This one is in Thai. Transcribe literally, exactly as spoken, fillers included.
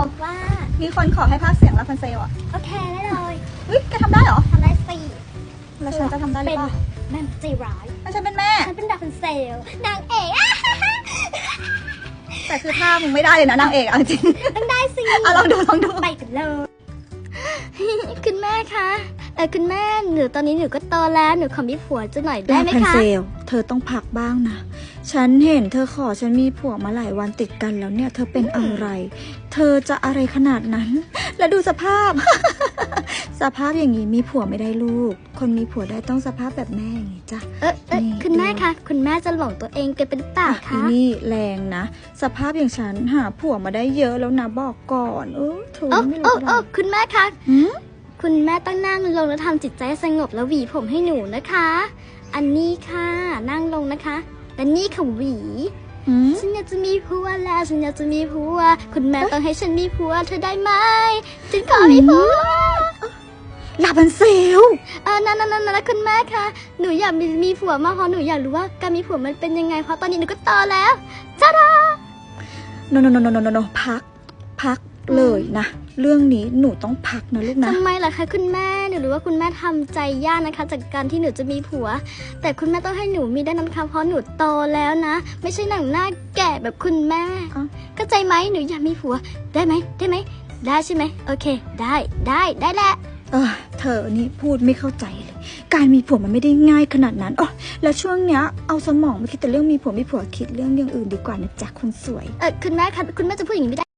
ว่ามีคนขอให้พากย์เสียงลาพันเซลอ่ะโอเคได้เลยเฮ้ยแกทำได้เหรอทำได้สิแล้วฉันจะทำได้หรือเปล่าแม่ใจร้ายแล้วฉันเป็นแม่ฉันเป็นดาพันเซลนางเอกแต่คือท่ามึงไม่ได้เลยนะนางเอกเอาจริงต้องได้สิอ่ะลองดูลองดูไปกันเลยคุณแม่คะเออคุณแม่หนูตอนนี้หนูก็โตแล้วหนูขอมีผัวจะหน่อยได้ไหมคะลาพันเซลเธอต้องพักบ้างนะฉันเห็นเธอขอฉันมีผัวมาหลายวันติดกันแล้วเนี่ยเธอเป็นอะไร เธอจะอะไรขนาดนั้น แล้วดูสภาพ สภาพอย่างนี้มีผัวไม่ได้ลูก คนมีผัวได้ต้องสภาพแบบแม่อย่างนี้จ้ะเออเออคุณแม่คะคุณแม่จะหลงตัวเองเกินเป็นเปล่าอีคะนี่แรงนะสภาพอย่างฉันหาผัวมาได้เยอะแล้วนะบอกก่อนเออถูกโอ้ไม่โอ้รู้อะไรโอ้คุณแม่คะหืมคุณแม่ต้องนั่งลงแล้วทำจิตใจให้สงบแล้วหวีผมให้หนูนะคะ อันนี้ค่ะนั่งลงนะคะและนี่ค่ะหวีหืมฉันอยากจะมีผัวแล้วฉันอยากจะมีผัวคุณแม่ต้องให้ฉันมีผัวเธอได้ไหมฉันขอมีผัวลาพันเซลเออนั่นนั่นนั่นนะคุณแม่คะหนูอยากมีมีผัวมากเพราะหนูอยากรู้ว่าการมีผัวมันเป็นยังไงเพราะตอนนี้หนูก็โตแล้วจ้าดาโนโนโนโนโนโนพัก พักเลยนะ เรื่องนี้หนูต้องพักนะลูกนะทำไมล่ะคะคุณแม่หนูรู้ว่าคุณแม่ทำใจยากนะคะ จากการที่หนูจะมีผัว แต่คุณแม่ต้องให้หนูมีได้นะคะเพราะหนูโตแล้วนะ ไม่ใช่หนังหน้าแก่แบบคุณแม่อ้าวเข้าใจไหมหนูอยากมีผัวได้ไหมได้ไหมได้ใช่ไหมโอเค ได้ได้ได้แหละเออเธอนี่พูดไม่เข้าใจเลย การมีผัวมันไม่ได้ง่ายขนาดนั้นอ๋อแล้วช่วงเนี้ยเอาสมองไม่คิดแต่เรื่องมีผัวมีผัวคิดเรื่องอย่างอื่นดีกว่านะจ๊ะคนสวยเออคุณแม่คะคุณแม่จะพูดอย่างนี้ไม่ได้